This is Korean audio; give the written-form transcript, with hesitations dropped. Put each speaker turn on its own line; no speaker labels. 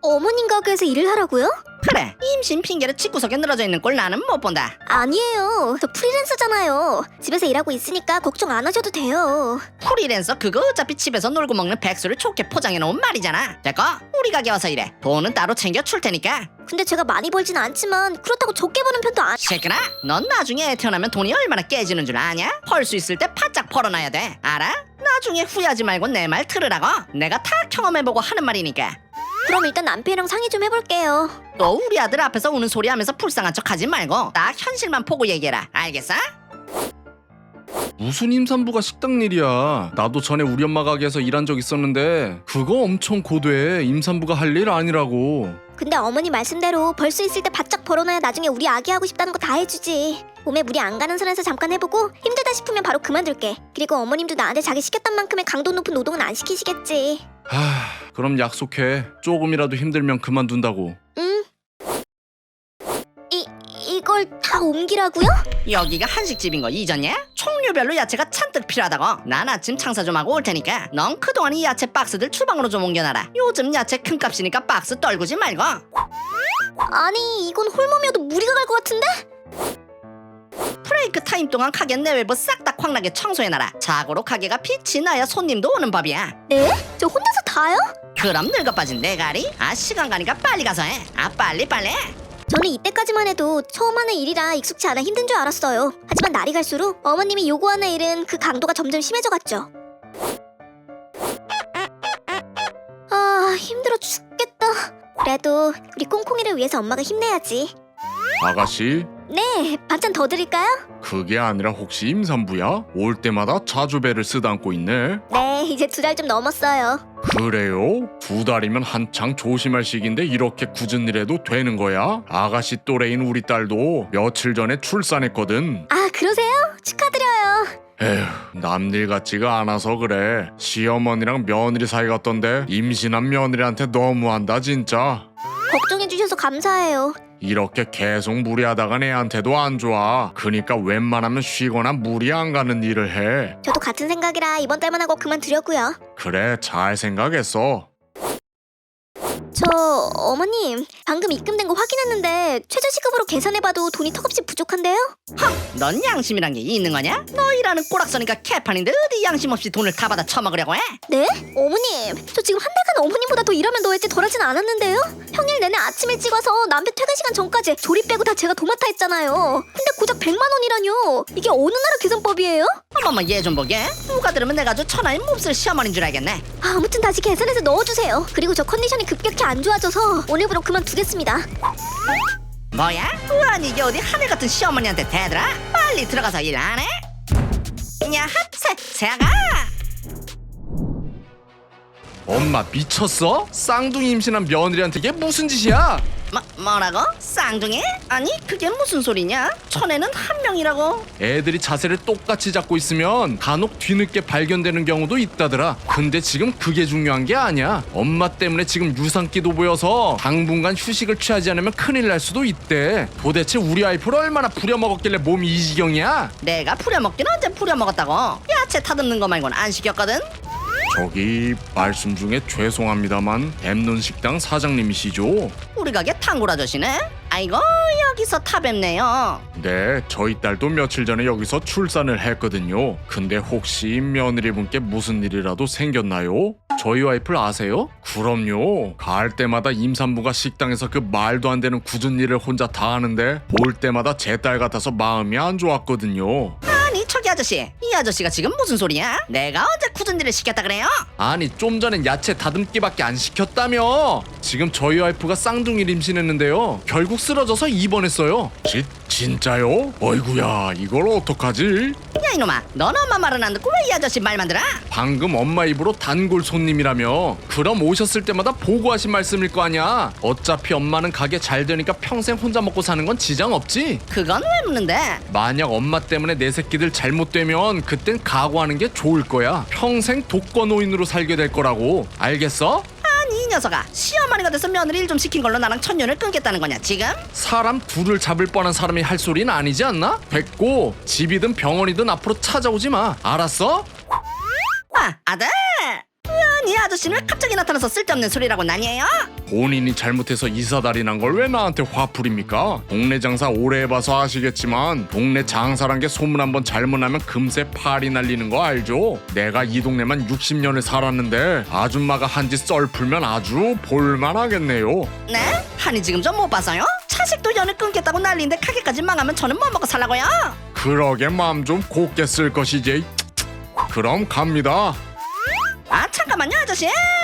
어머님 가게에서 일을 하라고요?
그래, 임신 핑계로 집구석에 늘어져 있는 꼴 나는 못 본다.
아니에요. 저 프리랜서잖아요. 집에서 일하고 있으니까 걱정 안 하셔도 돼요.
프리랜서 그거 어차피 집에서 놀고 먹는 백수를 좋게 포장해놓은 말이잖아. 됐고, 우리 가게 와서 일해. 돈은 따로 챙겨 줄 테니까.
근데 제가 많이 벌진 않지만 그렇다고 적게 버는 편도 아니...
새끼나, 넌 나중에 애 태어나면 돈이 얼마나 깨지는 줄 아냐? 벌 수 있을 때 바짝 벌어놔야 돼. 알아? 나중에 후회하지 말고 내 말 들으라고. 내가 다 경험해보고 하는 말이니까.
그럼 일단 남편이랑 상의 좀 해볼게요.
또 우리 아들 앞에서 우는 소리 하면서 불쌍한 척 하지 말고 딱 현실만 보고 얘기해라. 알겠어?
무슨 임산부가 식당 일이야. 나도 전에 우리 엄마 가게에서 일한 적 있었는데 그거 엄청 고돼. 임산부가 할 일 아니라고.
근데 어머니 말씀대로 벌 수 있을 때 바짝 벌어놔야 나중에 우리 아기 하고 싶다는 거 다 해주지. 몸에 무리 안 가는 선에서 잠깐 해보고 힘들다 싶으면 바로 그만둘게. 그리고 어머님도 나한테 자기 시켰던 만큼의 강도 높은 노동은 안 시키시겠지.
그럼 약속해. 조금이라도 힘들면 그만둔다고.
응. 이걸 다 옮기라고요?
여기가 한식집인 거 잊었냐? 종류별로 야채가 잔뜩 필요하다고. 난 아침 장사 좀 하고 올 테니까 넌 그동안 이 야채 박스들 주방으로 좀 옮겨놔라. 요즘 야채 큰값이니까 박스 떨구지 말고.
아니 이건 홀몸이어도 무리가 갈 것 같은데?
브레이크 타임 동안 가게 내외부 싹 다 광나게 청소해놔라. 자고로 가게가 빛이 나야 손님도 오는 법이야.
네? 저 혼자서 다요?
그럼 늙어빠진 내가리? 시간 가니까 빨리 가서 해. 빨리.
저는 이때까지만 해도 처음 하는 일이라 익숙치 않아 힘든 줄 알았어요. 하지만 날이 갈수록 어머님이 요구하는 일은 그 강도가 점점 심해져갔죠. 힘들어 죽겠다. 그래도 우리 콩콩이를 위해서 엄마가 힘내야지.
아가씨,
네, 반찬 더 드릴까요?
그게 아니라 혹시 임산부야? 올 때마다 자주 배를 쓰다듬고 있네.
네, 이제 2달 좀 넘었어요.
그래요? 2달이면 한창 조심할 시기인데 이렇게 굳은 일해도 되는 거야? 아가씨 또래인 우리 딸도 며칠 전에 출산했거든.
아, 그러세요? 축하드려요.
에휴, 남일 같지가 않아서 그래. 시어머니랑 며느리 사이 같던데 임신한 며느리한테 너무한다 진짜.
걱정해주셔서 감사해요.
이렇게 계속 무리하다가 애한테도 안 좋아. 그니까 웬만하면 쉬거나 무리 안 가는 일을 해.
저도 같은 생각이라 이번 달만 하고 그만두려고요.
그래, 잘 생각했어.
저 어머님 방금 입금된 거 확인했는데 최저시급으로 계산해봐도 돈이 턱없이 부족한데요?
넌 양심이란 게 있는 거냐? 너 일하는 꼬락서니까 개판인데 어디 양심 없이 돈을 다 받아 처먹으려고 해?
네? 어머님 저 지금 한 달간 어머님보다 더 일하면 더했지 덜하진 않았는데요? 평일 내내 아침 일찍 와서 남편 퇴근 시간 전까지 조립 빼고 다 제가 도맡아 했잖아요. 근데 고작 100만 원이라뇨. 이게 어느 나라 계산법이에요?
어머머 얘 좀 보게. 누가 들으면 내가 아주 천하의 몹쓸 시어머니인 줄 알겠네.
아무튼 다시 계산해서 넣어주세요. 그리고 저 컨디션이 급격히 안 좋아져서 오늘부로 그만두겠습니다.
뭐야? 아니 이게 어디 하늘 같은 시어머니한테 대들아? 빨리 들어가서 일 안 해? 야핫 새아가.
엄마 미쳤어? 쌍둥이 임신한 며느리한테 이게 무슨 짓이야?
뭐라고? 쌍둥이? 아니 그게 무슨 소리냐? 천에는 한 명이라고.
애들이 자세를 똑같이 잡고 있으면 간혹 뒤늦게 발견되는 경우도 있다더라. 근데 지금 그게 중요한 게 아니야. 엄마 때문에 지금 유산기도 보여서 당분간 휴식을 취하지 않으면 큰일 날 수도 있대. 도대체 우리 와이프를 얼마나 부려먹었길래 몸이 이 지경이야?
내가 부려먹긴 언제 부려먹었다고? 야채 타듬는 거 말고는 안 시켰거든?
저기 말씀 중에 죄송합니다만 뱀눈 식당 사장님이시죠?
우리 가게 탕골 아저씨네? 아이고 여기서 타뵙네요.
네, 저희 딸도 며칠 전에 여기서 출산을 했거든요. 근데 혹시 며느리분께 무슨 일이라도 생겼나요? 저희 와이프를 아세요? 그럼요. 갈 때마다 임산부가 식당에서 그 말도 안 되는 굳은 일을 혼자 다 하는데 볼 때마다 제 딸 같아서 마음이 안 좋았거든요.
아니 저기 아저씨, 이 아저씨가 지금 무슨 소리야? 내가 언제 굳은 일을 시켰다 그래요?
아니 좀 전엔 야채 다듬기밖에 안 시켰다며. 지금 저희 와이프가 쌍둥이를 임신했는데요. 결국 쓰러져서 입원했어요. 진짜요? 어이구야, 이걸 어떡하지?
야 이놈아, 넌 엄마 말은 안 듣고 왜 이 아저씨 말만 들어?
방금 엄마 입으로 단골 손님이라며. 그럼 오셨을 때마다 보고하신 말씀일 거 아니야. 어차피 엄마는 가게 잘 되니까 평생 혼자 먹고 사는 건 지장 없지.
그건 왜 묻는데?
만약 엄마 때문에 내 새끼들 잘못되면 그땐 각오하는 게 좋을 거야. 평생 독거노인으로 살게 될 거라고. 알겠어?
아니 이 녀석아, 시어머니가 돼서 며느리 일 좀 시킨 걸로 나랑 천년을 끊겠다는 거냐 지금?
사람 둘을 잡을 뻔한 사람이 할 소리는 아니지 않나? 됐고, 집이든 병원이든 앞으로 찾아오지 마. 알았어?
아들! 아니 이 아저씨는 왜 갑자기 나타나서 쓸데없는 소리라고 난리예요?
본인이 잘못해서 이사다리 난 걸 왜 나한테 화풀입니까? 동네 장사 오래 해봐서 아시겠지만 동네 장사란 게 소문 한번 잘못 나면 금세 팔이 날리는 거 알죠? 내가 이 동네만 60년을 살았는데 아줌마가 한 짓 썰 풀면 아주 볼만하겠네요.
네? 아니 지금 좀 못 봐서요? 차식도 연을 끊겠다고 난리인데 가게까지 망하면 저는 뭐 먹고 살라고요?
그러게 마음 좀 곱게 쓸 것이지. 그럼 갑니다.
아 잠깐만요 아저씨.